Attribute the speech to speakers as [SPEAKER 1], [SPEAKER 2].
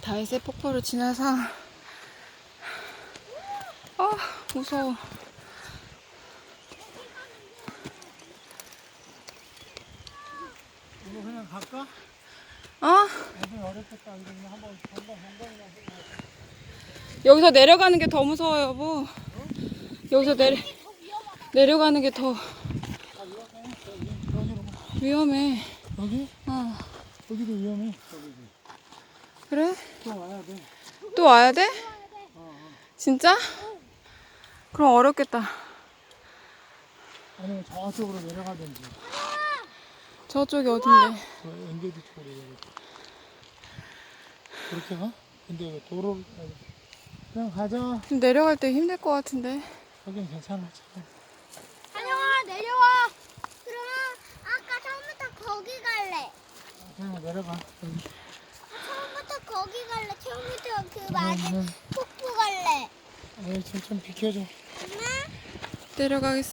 [SPEAKER 1] 다이세 폭포를 지나서 무서워.
[SPEAKER 2] 이거 그냥 갈까? 애들 어렵겠다. 이거 그냥 한번
[SPEAKER 1] 여기서 내려가는 게 더 무서워요, 여보. 여기서 내려가는 게 더 위험해.
[SPEAKER 2] 여기? 여기도 위험해.
[SPEAKER 1] 그래?
[SPEAKER 2] 또 와야 돼.
[SPEAKER 1] 또 와야 돼? 진짜? 그럼 어렵겠다.
[SPEAKER 2] 아니면 저쪽으로 내려가든지.
[SPEAKER 1] 저쪽이 어딘데?
[SPEAKER 2] 저 엔게지 쪽으로 내려가. 그렇게 가? 근데 왜 도로를 그냥 가자.
[SPEAKER 1] 내려갈 때 힘들 것 같은데.
[SPEAKER 2] 여긴 괜찮아. 참.
[SPEAKER 3] 한영아 내려와. 그러면 아까 처음부터 거기 갈래.
[SPEAKER 2] 그냥 내려가. 여기.
[SPEAKER 3] 처음부터 거기 갈래. 처음부터 그 맞은 폭포 갈래.
[SPEAKER 2] 좀 비켜줘.
[SPEAKER 3] 엄마?
[SPEAKER 1] 내려가겠어.